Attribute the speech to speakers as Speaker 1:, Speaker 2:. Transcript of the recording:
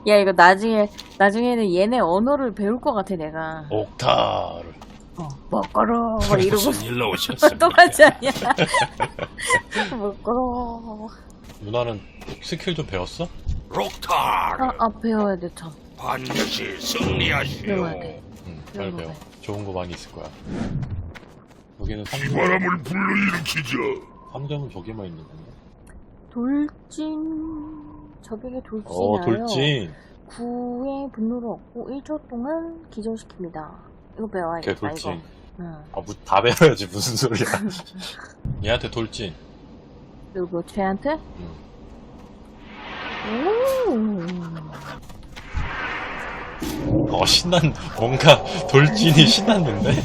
Speaker 1: 야, 이거 나중에는 얘네 언어를 배울 것 같아, 내가.
Speaker 2: 옥타르.
Speaker 1: 먹거러, 막 이러고.
Speaker 3: 무슨 일로 오셨습니까?
Speaker 1: 똑같지 않냐? 먹거러.
Speaker 2: 누나는 스킬 좀 배웠어?
Speaker 3: 록타르
Speaker 1: 배워야 돼, 참.
Speaker 3: 반드시 승리하시오.
Speaker 1: 배워야 돼.
Speaker 2: 응, 빨리
Speaker 1: 배워야
Speaker 2: 배워.
Speaker 1: 돼.
Speaker 2: 좋은 거 많이 있을 거야. 여기는 3점.
Speaker 3: 바람을 불러일으키자.
Speaker 2: 3점은 저기만 있는 거네.
Speaker 1: 돌진. 적에게 돌진하여
Speaker 2: 돌진.
Speaker 1: 9의 분노를 얻고 1초 동안 기절시킵니다. 이거 배워야겠다,
Speaker 2: 걔 돌진.
Speaker 1: 이거. 응.
Speaker 2: 다 배워야지, 무슨 소리야. 얘한테 돌진.
Speaker 1: 누구, 쟤한테?
Speaker 2: 응. 뭔가 돌진이 신났는데?